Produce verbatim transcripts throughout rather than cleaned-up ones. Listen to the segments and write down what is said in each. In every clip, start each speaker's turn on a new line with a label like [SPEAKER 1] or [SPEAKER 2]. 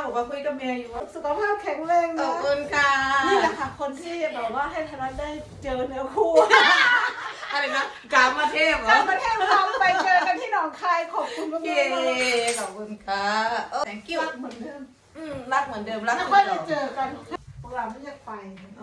[SPEAKER 1] ก็คุยกับเมียอยู่ว่า
[SPEAKER 2] สุขภาพแข็งแรงนะ
[SPEAKER 1] ขอบคุณค่ะ
[SPEAKER 2] นี่แหละค่ะคนที่แบบว่าให้ธนัทได้เจอเนื้อคู่
[SPEAKER 1] อะไรนะกามาเทพเหรอ
[SPEAKER 2] กามาเทพเราไปเจอกันที่หนองคายขอบคุณมาก
[SPEAKER 1] ๆขอบคุณค่ะเออ thank you
[SPEAKER 2] รักเหมือนเดิม
[SPEAKER 1] อืมรักเหมือนเดิมรัก
[SPEAKER 2] ไม่
[SPEAKER 1] เหมื
[SPEAKER 2] ค่อ
[SPEAKER 1] อย น
[SPEAKER 2] ได้
[SPEAKER 1] เดิม
[SPEAKER 2] เจอกันพวกเราไม่อยากไป
[SPEAKER 1] อ๋อ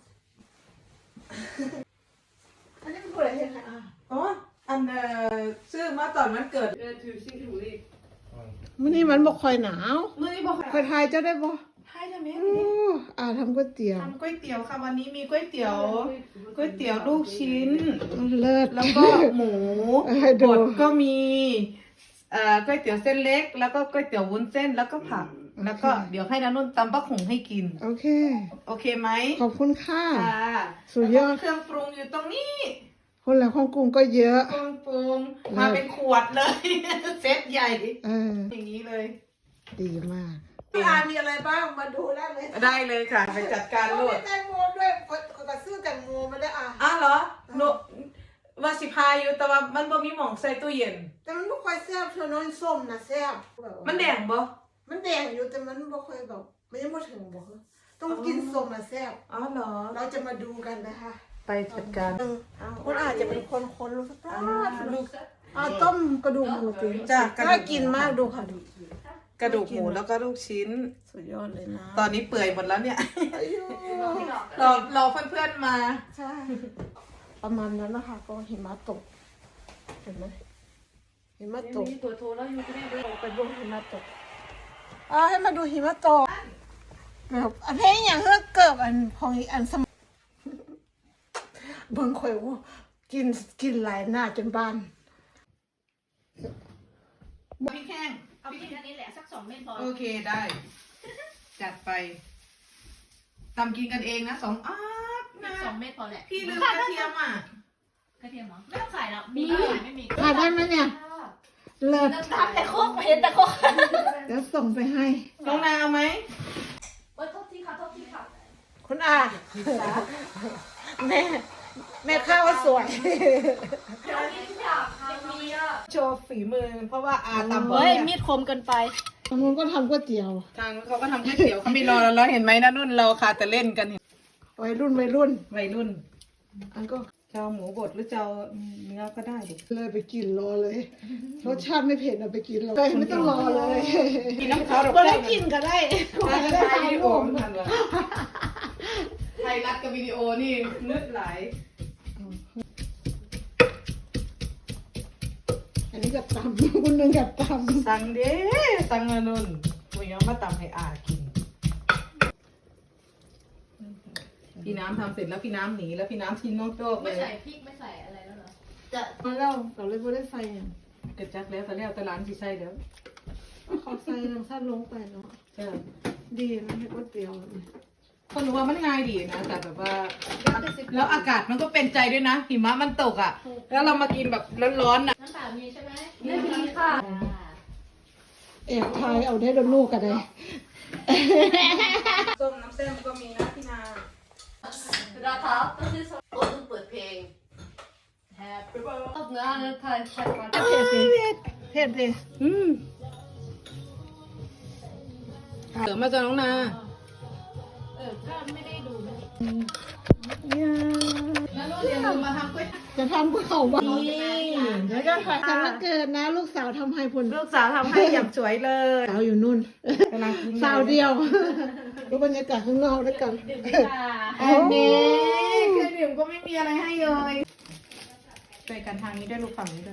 [SPEAKER 2] อันนี้เป็นอะไรเนี่ยค่ะ
[SPEAKER 1] อ๋ออันเอ่อซื้อมาตอนมันเกิดเออถือชิงถูรี
[SPEAKER 2] มื้อนี้มันบอกคอยหนาว
[SPEAKER 1] มือนี่บอก
[SPEAKER 2] คอยทายเจ้าได้บ่
[SPEAKER 1] ให้ทำไม
[SPEAKER 2] โอ้อ่าทำก๋วยเตี๋ยว
[SPEAKER 1] ทำก๋วยเตี๋ยวค่ะวันนี้มีก๋วยเตี๋ยวก๋วยเตี๋ยวลูกชิ้น
[SPEAKER 2] เลิศ
[SPEAKER 1] แล้วก็หมู
[SPEAKER 2] ให้ดู
[SPEAKER 1] บดก็มีเอ่อก๋วยเตี๋ยวเส้นเล็ก แล้วก็ก๋วยเตี๋ยววุ้นเส้นแล้วก็ผัก แล้วก็เดี๋ยวให้น้านุ่นตำปะขงให้กิน
[SPEAKER 2] โอเค
[SPEAKER 1] โอเคไหม
[SPEAKER 2] ขอบคุณค่ะ
[SPEAKER 1] ค่ะ
[SPEAKER 2] สุดยอด
[SPEAKER 1] แล้วก็เครื่องปรุงอยู่ตรงนี้
[SPEAKER 2] คนละของกรุงก็เยอะ
[SPEAKER 1] เครื่องปรุงมาเป็นขวดเลย เซตใหญ่
[SPEAKER 2] เออ
[SPEAKER 1] อย่างนี้เลย
[SPEAKER 2] ดีมากพี่อามีอะไรบ้างมาดูได้เลย
[SPEAKER 1] ได้เลยค่ะไปจัดการโลด
[SPEAKER 2] แตงโมด้วยกระซื้อแตงโมมาได้อ่ะ
[SPEAKER 1] อ้าวเหรอหนูว่าสิพาอยู่แต่ว่ามันบ่มีหม่องใส่ตู้เย็น
[SPEAKER 2] แต่มันไม่ค่อยแซ่บเธอน้อยส้มนะแซ่บ
[SPEAKER 1] มันแดงบ่
[SPEAKER 2] มันแดงอยู่แต่มันไม่ค่อยแบบมันยังไม่ถึงบอกต้องกินส้มนะแซ่บ
[SPEAKER 1] อ๋อเหรอ
[SPEAKER 2] เราจะมาดูกันนะคะ
[SPEAKER 1] ไปจัดการ
[SPEAKER 2] คุณอาจจะเป็นคนคนรู้สักลูกอ่าต้มกระดูกหมูตี
[SPEAKER 1] จ้ะ
[SPEAKER 2] น่ากินมากดูค่ะดู
[SPEAKER 1] กระดูกหมูแล้วก็ลูกชิ้น
[SPEAKER 2] สุดยอดเลยนะ
[SPEAKER 1] ตอนนี้เปื่อยหมดแล้วเนี่ย
[SPEAKER 2] อายุ
[SPEAKER 1] รอรอเพื่อนๆมา
[SPEAKER 2] ใช่ประมาณนั้นนะคะก็หิมะตกเห็นไหมหิมะตก
[SPEAKER 3] มีตัวโทรแล้วอยู่ที่นี่ด้วย
[SPEAKER 2] ไปดูหิมะตกอ่าให้มาดูหิมะตกแบบอันเพลงอย่างเฮือกเกิบอันพองอีอันสมบางคนว่ากินกินหลายหน้าจนบ้าน
[SPEAKER 1] พี่แข้ง
[SPEAKER 3] เอาพริกอันนี้แหละสักสองเม็ดพอ
[SPEAKER 1] โอเคได้ จัดไปทำกินกันเองนะสองอาบนะ
[SPEAKER 3] สองเม็ดพอแหละ
[SPEAKER 1] พี่ลืมกระเทียมอ่ะ
[SPEAKER 3] กระเทียมเหรอไม่ต้องใส่หรอกมีก็ใส่ไม่มีก็
[SPEAKER 2] ถ่ายได้ไหมเนี่ยเลิศ
[SPEAKER 3] ทำแต่โคกเห็นแต่โคก
[SPEAKER 2] เดี๋ยวส่งไปให้
[SPEAKER 1] น้องนาเอาไหม
[SPEAKER 3] โอ๊ยโทษทีค่ะโทษทีค่ะ
[SPEAKER 2] คุณอาแม่แม่ข้าวสวย
[SPEAKER 3] อันนี้ทุกอย่างค่ะมีอ่ะ
[SPEAKER 1] โชว์ฝีมือ เพราะว่าอาตำบ
[SPEAKER 3] เฮ้ย
[SPEAKER 1] นี่
[SPEAKER 3] มีดคมเกินไป
[SPEAKER 2] ทางนู้นก็ทำก๋วยเตี๋ยว
[SPEAKER 1] ทางเขาก็ทำก๋วยเตี๋ยวเขาไม่รอแล้วเห็นไหมนะนุ่นเราค่ะแต่เล่นกันเห็น
[SPEAKER 2] วัยรุ่นวัยรุ่น
[SPEAKER 1] วัยรุ่น
[SPEAKER 2] อันก็
[SPEAKER 1] จะเอาหมูบดหรือจะเอาเนื้อก็ได้ดิ
[SPEAKER 2] เลยไปกินรอเลยรสชาติไม่เผ็ดเอาไปกินรอไม่ต้องรอเลย
[SPEAKER 1] กินน้ำเขาดอก
[SPEAKER 2] ก็ได้กินก็ได้ก็ได้
[SPEAKER 1] ถ่าย
[SPEAKER 2] ถ่าย
[SPEAKER 1] วิดีโอ
[SPEAKER 2] รูป
[SPEAKER 1] ทันวะไทยรัฐกับวิดีโอนี่มืดไหล
[SPEAKER 2] อันนี้กับตำคุณนึงกับตำ
[SPEAKER 1] สั่งเด้สั่งมานุ่นกูยังมาตำให้อากิน พี่น้ำทำเสร็จแล้วพี่น้ำหนีแล้วพี่น้ำทิ้งน้องโจ๊กเล
[SPEAKER 3] ไม่
[SPEAKER 1] ย
[SPEAKER 3] ใส่พริกไม่ใส่อะไรแล้วเหรอจะ
[SPEAKER 2] มาแล้วเราเลยไม่ได้ใส่อย่าง
[SPEAKER 1] กระจักแล้วแต่แล้วแต่ร้านที่ใช่แล้ว
[SPEAKER 2] เขาใส่น้ำตาลลงไปเนาะ
[SPEAKER 1] ใช่
[SPEAKER 2] ดีนะให้ก๋วยเตี๋ยว
[SPEAKER 1] คนรู้ว่ามันง่ายดีนะแต่แบบว่าแล้วอากาศมันก็เป็นใจด้วยนะหิมะมันตกอ่ะ แล้วเรามากินแบบร้อนๆอ่ะ
[SPEAKER 3] น้ำตาลมีใช่ไหมไม่มีค่ะ
[SPEAKER 2] แอบทายเอาได้ดนลูกกันเลย
[SPEAKER 1] ส้มน้ำเส้นก็มีนะพี่นา
[SPEAKER 3] ราคาต้องซื้อสดโอ้ต้องเปิดเพลง Happy birthday ตบเนื้อแล้วถ่ายถ่ายมา
[SPEAKER 2] เผ็ดดิเผ็ดดิ
[SPEAKER 1] อืมเสริมมาจากน้องนา
[SPEAKER 3] เออถ้าไม่ได้ดูไม่ได้
[SPEAKER 1] แล้วลูกเรียนรู้มาทำก๋วยเตี๋ยว
[SPEAKER 2] จะทำก๋วยเตี๋ยวบ้าง
[SPEAKER 1] นี่
[SPEAKER 2] เดี๋ยวจะถ่ายสำนักเกิดนะ ลูกสาวทำให้ผล
[SPEAKER 1] ลูกสาวทำให้อย่างสวยเลย
[SPEAKER 2] สาวอยู่นู่น
[SPEAKER 1] กำลังกิน
[SPEAKER 2] สาวเดียวดูบรรยากาศข้างนอกด้วยกัน
[SPEAKER 3] ดื่มดีกว่า
[SPEAKER 1] อันนี้เครื่องดื่มก็ไม่มีอะไรให้เลยช่วยกันทางนี้ด้วยลูกฝั่งนี้ด้วย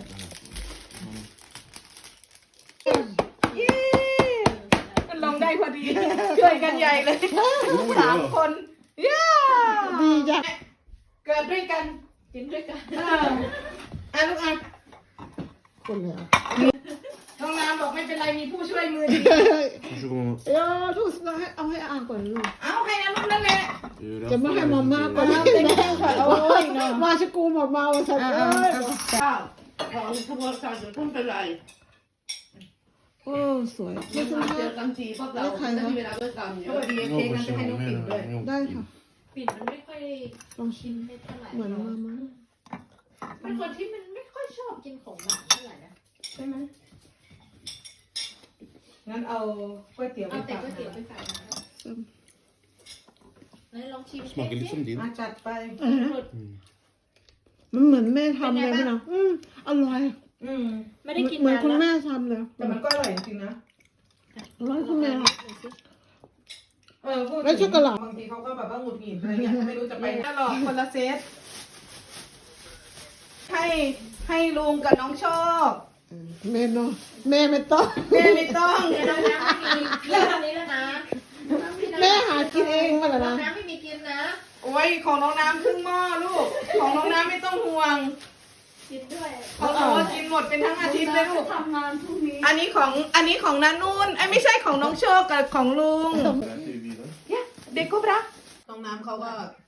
[SPEAKER 1] เย้มันลงได้พอดีช่วยกันใหญ่เลยสามคนเย้
[SPEAKER 2] ดีจ้ะ
[SPEAKER 1] เกิดด้วยกัน
[SPEAKER 3] กินด้วยกัน
[SPEAKER 1] เอออ่ะลูกอ่ะ
[SPEAKER 2] คนแล้ว
[SPEAKER 1] น้องน้ำบอกไม่เป็นไรมีผู้ช่วยมือดี
[SPEAKER 4] Varsågod.
[SPEAKER 2] เออทุกสให้เอาให้อ่านก่อนลูก
[SPEAKER 1] เอาให้นะลูกนั่นแหละ
[SPEAKER 4] Fyra,
[SPEAKER 2] จะไม่ให้มาม่าก่อน
[SPEAKER 1] เอาเต็มที่ก่อนโอ้ยเนาะ
[SPEAKER 2] มาชกูมาเมาสัก
[SPEAKER 1] อ่า
[SPEAKER 2] เอ้ย
[SPEAKER 3] ของขบวนการจะต้องเป็นไร
[SPEAKER 2] โอ้สวยไม่ใช่
[SPEAKER 3] เจอกันทีพวกเราจะมีเวลาด้วยกันเย
[SPEAKER 1] ส
[SPEAKER 3] อะ
[SPEAKER 1] วัสดีเค้ก
[SPEAKER 4] något
[SPEAKER 1] นะจะให้
[SPEAKER 4] som
[SPEAKER 1] น้องปิ่นด้วย
[SPEAKER 4] menar.
[SPEAKER 2] ได้ค่ะ
[SPEAKER 3] ปิ่นมันไม่ค่อย
[SPEAKER 2] ลองชิ
[SPEAKER 3] กิ
[SPEAKER 2] ม
[SPEAKER 3] นเม็ดเท่าไหร่
[SPEAKER 2] เหมือนมาม่า
[SPEAKER 3] เป็นคนที่มันไม่ค่อยชอบกินของหวานเท่าไหร่นะใช่ไหม
[SPEAKER 1] งั้นเอาก๋วยเตี๋ยวไป
[SPEAKER 3] เอาแต่
[SPEAKER 1] ฝาก
[SPEAKER 3] ก๋วยเตี๋ยวไปฝากนะงั้นลองชิม
[SPEAKER 4] Smakar litt som din.
[SPEAKER 1] มาจัดไป
[SPEAKER 2] อ่ะฮะมันเหมือนแม่ทำเลยพี่น้องอืมอร่อย
[SPEAKER 1] อืม
[SPEAKER 3] ไม่ได้กิน
[SPEAKER 2] เหมือน
[SPEAKER 3] นาน
[SPEAKER 2] คุณ
[SPEAKER 3] แล้ว
[SPEAKER 2] แม่ทำเลย
[SPEAKER 1] แต่มันก็อร่อยจริงๆนะ
[SPEAKER 2] อร่อยคุณแม่
[SPEAKER 1] เออพูดถึง
[SPEAKER 2] แล้วช็อกโกแลต
[SPEAKER 1] บางทีเขาก็แบบว่าหงุดหงิดอะไรเงี้ยไม่รู้จะไปถ้าหลอกคนละเซตให้ให้ลุงกับน้องโชค
[SPEAKER 2] แม่เนาะแม่ไม่ต้อง
[SPEAKER 1] แม่ไม่ต้อง
[SPEAKER 3] เดี๋ยวน้องน้ำไม่มีเรื่องอันนี้แล้วนะ
[SPEAKER 2] แม่หากินเองมาแล้ว
[SPEAKER 3] น้อ
[SPEAKER 2] นะ
[SPEAKER 3] งน้ำไม่มีกินนะ
[SPEAKER 1] โอ้ยของน้องน้ำครึ่งหม้อลูก ของน้องน้ำไม่ต้องห่วง
[SPEAKER 3] กินด้วย
[SPEAKER 1] เขาบอกว่ากินหมดเป็นทั้งอาทิตย์เลยลูก
[SPEAKER 3] ทำงานพรุ่งนี้
[SPEAKER 1] อันนี้ของอันนี้ของนานุ่นไอ้ยไม่ใช่ของน้องโชคกับของลุง
[SPEAKER 4] Där ser vi den.
[SPEAKER 1] เด็กกุบระน้องน้ำเขาก็